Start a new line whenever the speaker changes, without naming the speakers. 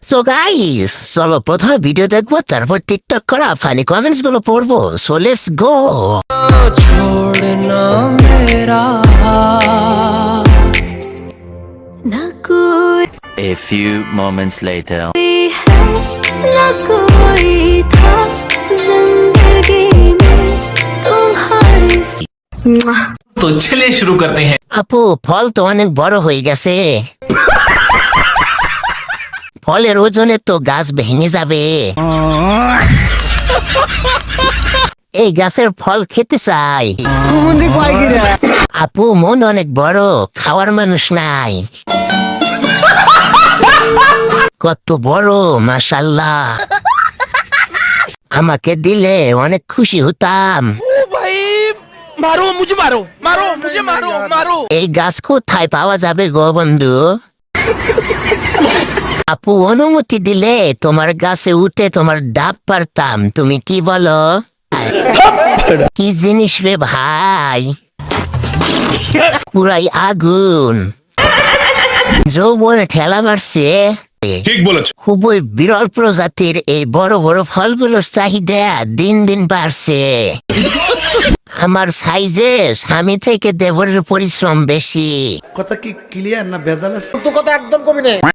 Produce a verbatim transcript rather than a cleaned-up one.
So guys, চলো প্রথমে video দেখবো, তারপর টিকটক করা ফানি কমেন্টস গুলো পড়বো। So let's go.
छोड़ना मेरा
ना कोई
A few moments later.
है ना कोई था जिंदगी में तुम्हारे
तो चलिए शुरू करते हैं।
আপু, ফল তো অনেক বড় হয়ে গেছে। ফলের ওজনে তো গাছ ভেঙে যাবে। এই গাছের ফল খেতে চাই। আপু, মন অনেক বড়, খাওয়ার মানুষ নাই। কত বড়, মাশাল্লাহ। আমাকে দিলে অনেক খুশি হতাম।
मारो मुझे मारो मारो मुझे मारो मारो
এই গাছ কোথায় পাওয়া যাবে গো বন্ধু? আপু, অনুমতি দিলে তোমার গাছে উঠে তোমার ডাব পারতাম। তুমি কি বলো? কি জিনিস রে ভাই, পুরাই আগুন। যৌবনে ঠেলা মারছে।
ঠিক বলেছো।
খুবই বিরল প্রজাতির এই বড় বড় ফলগুলোর চাহিদা দিন দিন বাড়ছে। আমার সাইজে স্বামী থেকে দেবরের পরিশ্রম বেশি।
কথা কি ক্লিয়ার না ভেজাল আছে?